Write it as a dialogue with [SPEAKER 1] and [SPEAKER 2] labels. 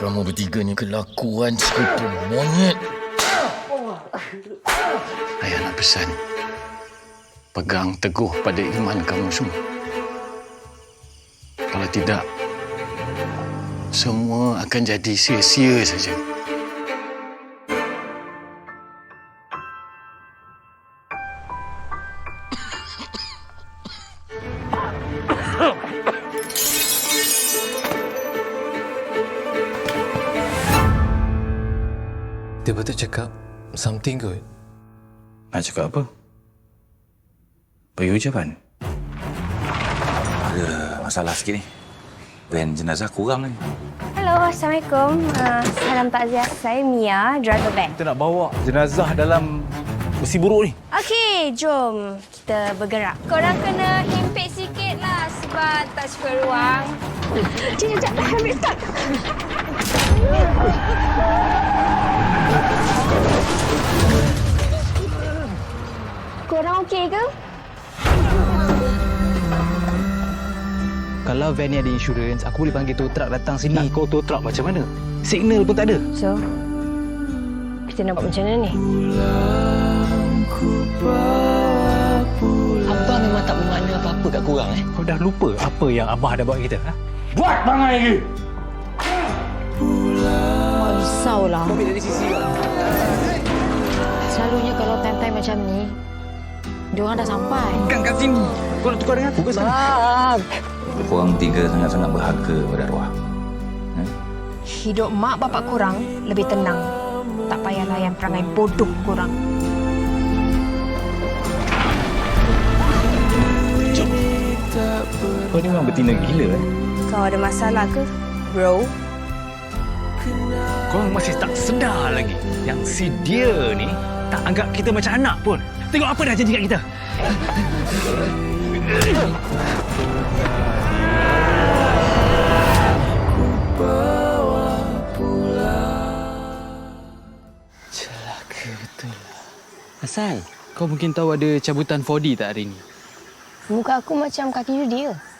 [SPEAKER 1] Kamu bertiga ni kelakuan sekutu monyet. Ayah nak pesan, pegang teguh pada iman kamu semua. Kalau tidak, semua akan jadi sia-sia saja.
[SPEAKER 2] Dia betul cakap something good.
[SPEAKER 1] Nak cakap apa? Bagi ucapan.
[SPEAKER 3] Ada masalah sikit ni. Van jenazah kurang ni.
[SPEAKER 4] Hello, Assalamualaikum. Salam takziah. Saya Mia, driver van.
[SPEAKER 3] Kita nak bawa jenazah dalam besi buruk ni.
[SPEAKER 4] Okey, jom kita bergerak. Korang kena himpit sikit lah sebab tak cukup ruang. Cik, sekejap dah ambil start. Korang okey ke?
[SPEAKER 5] Kalau van ni ada insurans, aku boleh panggil tow truck datang sini.
[SPEAKER 3] Kau tow truck macam mana? Signal pun tak ada.
[SPEAKER 4] So, kita nak buat macam mana ni?
[SPEAKER 5] Abah memang tak bermakna apa-apa kat korang
[SPEAKER 3] Kau dah lupa apa yang Abah dah buat kita? Ha?
[SPEAKER 6] Buat bangai lagi!
[SPEAKER 7] Mak risaulah.
[SPEAKER 5] Kau ambil dari sisi kau.
[SPEAKER 7] Selalunya kalau time-time macam ni, diorang dah sampai.
[SPEAKER 5] Bukan kat sini. Kau nak tukar dengan aku ke sana?
[SPEAKER 3] Korang tiga sangat-sangat berharga pada arwah.
[SPEAKER 4] Hidup mak bapak korang lebih tenang. Tak payah layan perangai bodoh korang.
[SPEAKER 3] Kau ni memang betina gila
[SPEAKER 4] Kau ada masalah ke, bro?
[SPEAKER 3] Korang masih tak sedar lagi yang si dia ni tak anggap kita macam anak pun. Tengok apa dah janji kat kita.
[SPEAKER 5] Celaka betul lah. Asal, kau mungkin tahu ada cabutan 4D tak hari ni?
[SPEAKER 4] Muka aku macam kaki judi ke?